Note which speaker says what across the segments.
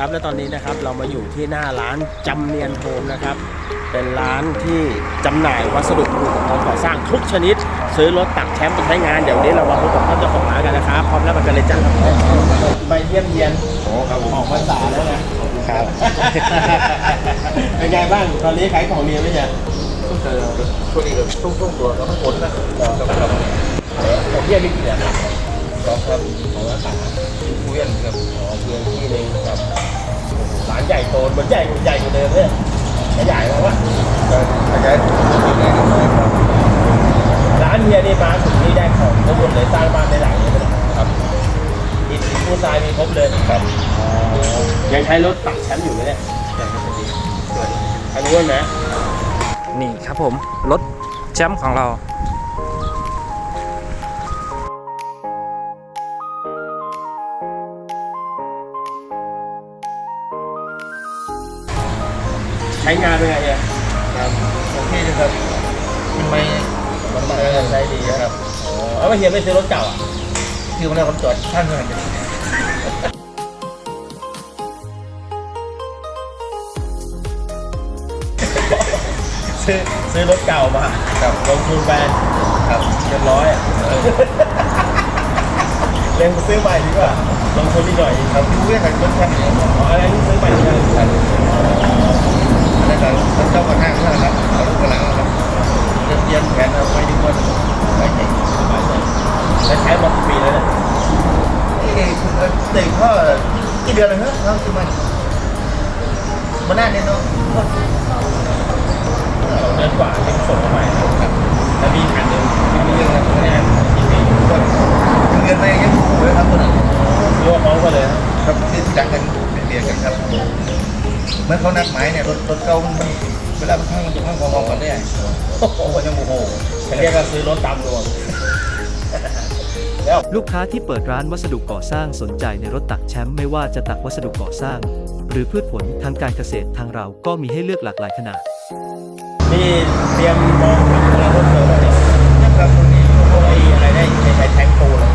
Speaker 1: ครับและตอนนี้นะครับเรามาอยู่ที่หน้าร้านจำเนียนโฮมนะครับเป็นร้านที่จำหน่ายวัสดุอุปกรณ์ก่อสร้างทุกชนิดซื้อรถตักแชมป์ไปใช้งานเดี๋ยวนี้เรามาพบกับท่านเจ้าของร้านกันนะครับพร้อมแล้วมากันเลยจ้ะไปเยี่ยมเยียนออกพรรษาแล้วนะครับ เป็นไงบ้างตอนนี้ขายของดีไหมเนี่ยช่วงนี้ก็ช่วงตัวก็ทั้งหมดนะครับผมเยี่ยมนี่กี่เดือนครับของรักษาเพื่อนครับเพื่อนที่หนึ่งครับร้านใหญ่โตมันใหญ่กว่าเดิมเนี่ยขยายแล้ววะขยายที่ไหนกันเลยครับร้านเฮียนี่มาถึงนี่ได้ของทั้งหมดเลยสร้างบ้านในหลังนี้ครับอิฐปูนทรายมีครบเลยครับยังใช้รถตักแชมป์อยู่ไหมเนี่ยยังไม่ดีอันนี้นะ
Speaker 2: นี่ครับผมรถแชมป์ของเรา
Speaker 1: ใช้งานเป็นไงเนี่ยครับโอเคนะครับมันไม่ใช้ดีครับเอาไปเฮียไม่ซื้อรถเก่าอ่ะคือมันได้คนจอดข้างเงินซื้อรถเก่ามาครับลงทุนไปครับเรียบร้อยเล่นซื้อใหม่ดีกว่าลงทุนนิดหน่อยครับดูเรื่องการรถแค่นี้อะไรที่ซื้อใหม่ดีกว่าแล้วก็เจ้าก็ห้างนั่นแหละครับเอาลูกกระหลังครับเตรียมแผนเอาไว้ดีกว่าไปเก่งสบายใจแล้วใช้มากี่ปีแล้วเนี่ยเด็กก็กี่เดือนแล้วเหรอเราซื้อมามันน่าเนี่ยเนาะ2 เดือนกว่าที่ส่งมาใหม่ครับแล้วมีขันหนึ่งมีเรื่องอะไรไม่ได้ที่มีเงินไปยังถูกเลยครับตัวนั้นรวมพร้อมกันเลยครับที่จัดกันเป็นเรียนกันครับเมื่อเขานัดหมายเนี่ยรถเก่ามันเวลามันจะพังมองกันได้โอ้โหยังโมโหเรียกว่าซื้อรถตามดวง
Speaker 3: ลูกค้าที่เปิดร้านวัสดุก่อสร้างสนใจในรถตักแชมป์ไม่ว่าจะตักวัสดุก่อสร้างหรือพืชผลทางการเกษตรทางเราก็มีให้เลือกหลากหลายขนาด
Speaker 1: นี่เตรียมมองทำอะไรเพิ่มเติมอะไรนะครับตรงนี้พวกอะไรได้ใช้แทงปูเลย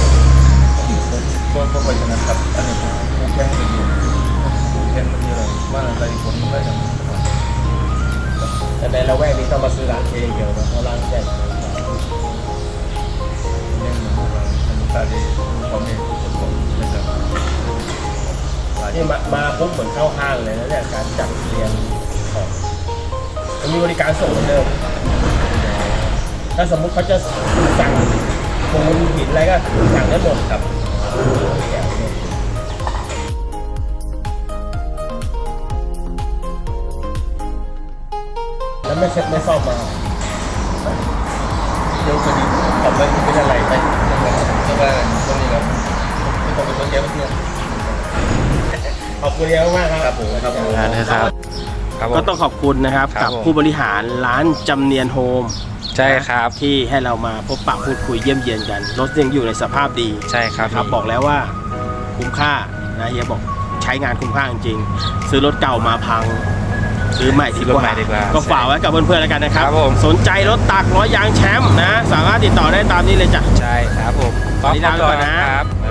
Speaker 1: พวกไปชนะครับอันนี้พวกแทงมันอยู่แทงมันเยอะมากอะไรผลมันได้ยังแต่ในละแวกนี้ต้องมาซื้อร้านเองเดียวนะเพราะร้านใหญ่เนี่ยเหมือนพวกเราทำตาดีของเองนะครับนี่มาปุ๊บเหมือนเข้าห้างเลยนะเนี่ยการจัดเรียงของมีบริการส่งเหมือนเดิมถ้าสมมุติเขาจะสั่งปูนหินอะไรก็สั่งได้หมดครับแล้วไม่เช็ดไม่ซ่อมมาเดี๋ยวคดีทำไปเป็นอะไรไปก็ว่าตรงนี้ครับไม่ต้องเป็นคนเยอะเพื่อนขอบคุณเยอะมากครับผม
Speaker 2: นะครับ
Speaker 1: ก็ต้องขอบคุณนะครับกับผู้บริหารร้านจำเนียนโฮม
Speaker 2: ใช่ครับ
Speaker 1: ที่ให้เรามาพบปะพูดคุยเยี่ยมเยียนกันรถยังอยู่ในสภาพดี
Speaker 2: ใช่ครับ
Speaker 1: บอกแล้วว่าคุ้มค่านะเฮียบอกใช้งานคุ้มค่าจริงๆซื้อรถเก่ามาพังซื้อใหม่ดีกว่าก็ฝากไว้กับเพื่อนๆแล้วกันนะครับสนใจรถตักล้อยางแชมป์นะสามารถติดต่อได้ตามนี้เลยจ้ะ
Speaker 2: ใช่ครับผม
Speaker 1: ตอนนี้ลาไปก่อนนะครับ